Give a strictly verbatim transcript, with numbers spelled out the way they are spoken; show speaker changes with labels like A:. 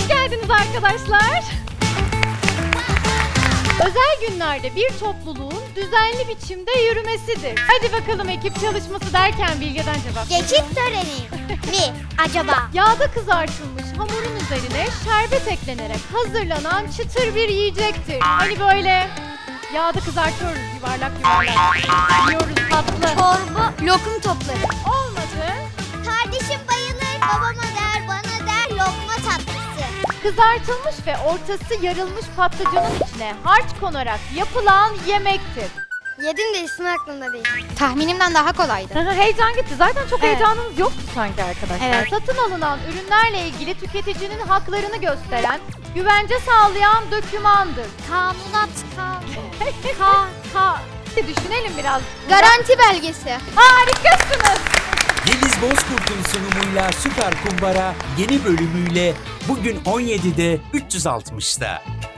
A: Hoş geldiniz arkadaşlar. Özel günlerde bir topluluğun düzenli biçimde yürümesidir. Hadi bakalım ekip çalışması derken Bilge'den cevap.
B: Geçit töreni mi acaba?
A: Yağda kızartılmış hamurun üzerine şerbet eklenerek hazırlanan çıtır bir yiyecektir. Hani böyle yağda kızartıyoruz yuvarlak yuvarlak. Yiyoruz tatlı.
B: Çorba, lokum topları.
A: Olmadı.
B: Kardeşim bayılır, babama der, bana der lokma tatlısı.
A: Kızartılmış ve ortası yarılmış patlıcanın içine harç konarak yapılan yemektir.
B: Yedim de ismi aklımda değil. Tahminimden daha kolaydı.
A: Heyecan gitti. Zaten çok
B: Evet.
A: heyecanınız yoktu sanki arkadaşlar.
B: Evet.
A: Satın alınan ürünlerle ilgili tüketicinin haklarını gösteren, güvence sağlayan dokümandır.
B: Kanunat, kan, ka, ka.
A: Düşünelim biraz.
B: Garanti belgesi.
A: Harikasınız.
C: Yeliz Bozkurt'un sunumuyla Süper Kumbara yeni bölümüyle bugün on yedide üç yüz altmışta.